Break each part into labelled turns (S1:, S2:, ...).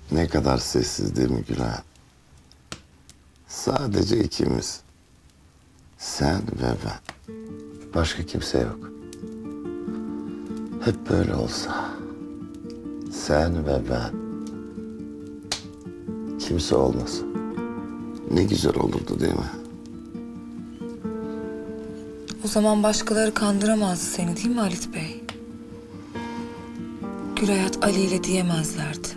S1: Ne kadar sessiz değil mi Gülay? Sadece ikimiz. Sen ve ben. Başka kimse yok. Hep böyle olsa. Sen ve ben. Kimse olmasın. Ne güzel olurdu değil mi?
S2: O zaman başkaları kandıramazdı seni değil mi Halit Bey? Gülayat Ali ile diyemezlerdi.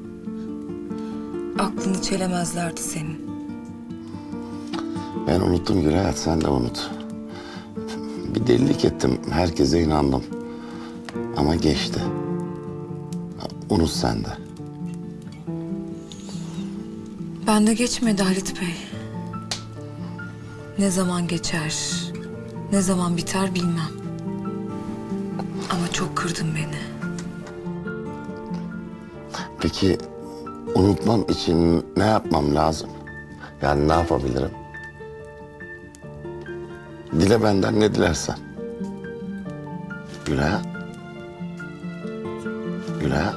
S2: Aklını çelemezlerdi senin.
S1: Ben unuttum Gülayat, sen de unut. Bir delilik ettim, herkese inandım. Ama geçti. Unut sen de.
S2: Bende geçmedi Halit Bey. Ne zaman geçer, ne zaman biter bilmem. Ama çok kırdın beni.
S1: Peki unutmam için ne yapmam lazım? Yani ne yapabilirim? Dile benden ne dilersen. Gülayat. Gülayat.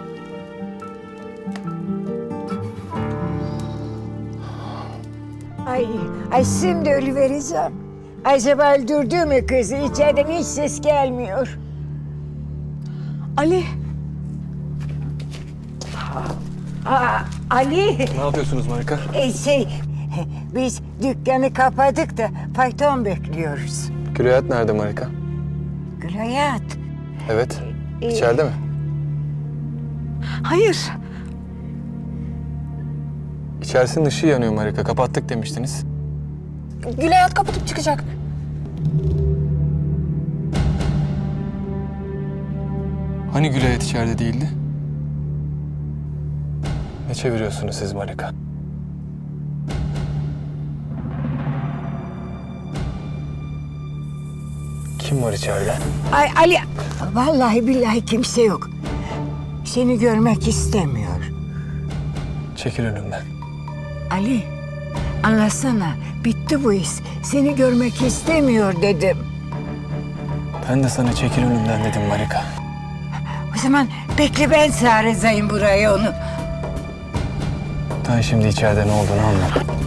S3: Ay şimdi ölüvereceğim. Acaba öldürdü mü kızı? İçeriden hiç ses gelmiyor.
S4: Ali,
S3: Ali,
S5: Ne yapıyorsunuz Marika?
S3: biz dükkanı kapadık da fayton bekliyoruz.
S5: Gülayat nerede Marika?
S3: Gülayat,
S5: Evet. İçeride mi?
S4: hayır.
S5: İçerisinin ışığı yanıyor Marika. Kapattık demiştiniz.
S2: Gülayat kapatıp çıkacak.
S5: Hani Gülayat içeride değildi? Ne çeviriyorsunuz siz Marika? Kim var içeride?
S3: ay Ali, vallahi billahi kimse yok. Seni görmek istemiyor.
S5: Çekil önümden.
S3: Ali, anlasana, bitti bu iş. Seni görmek istemiyor dedim.
S5: Ben de sana çekil önümden dedim Marika.
S3: O zaman bekle, ben çağıracağım buraya onu.
S5: Ben şimdi içeride ne olduğunu anlat.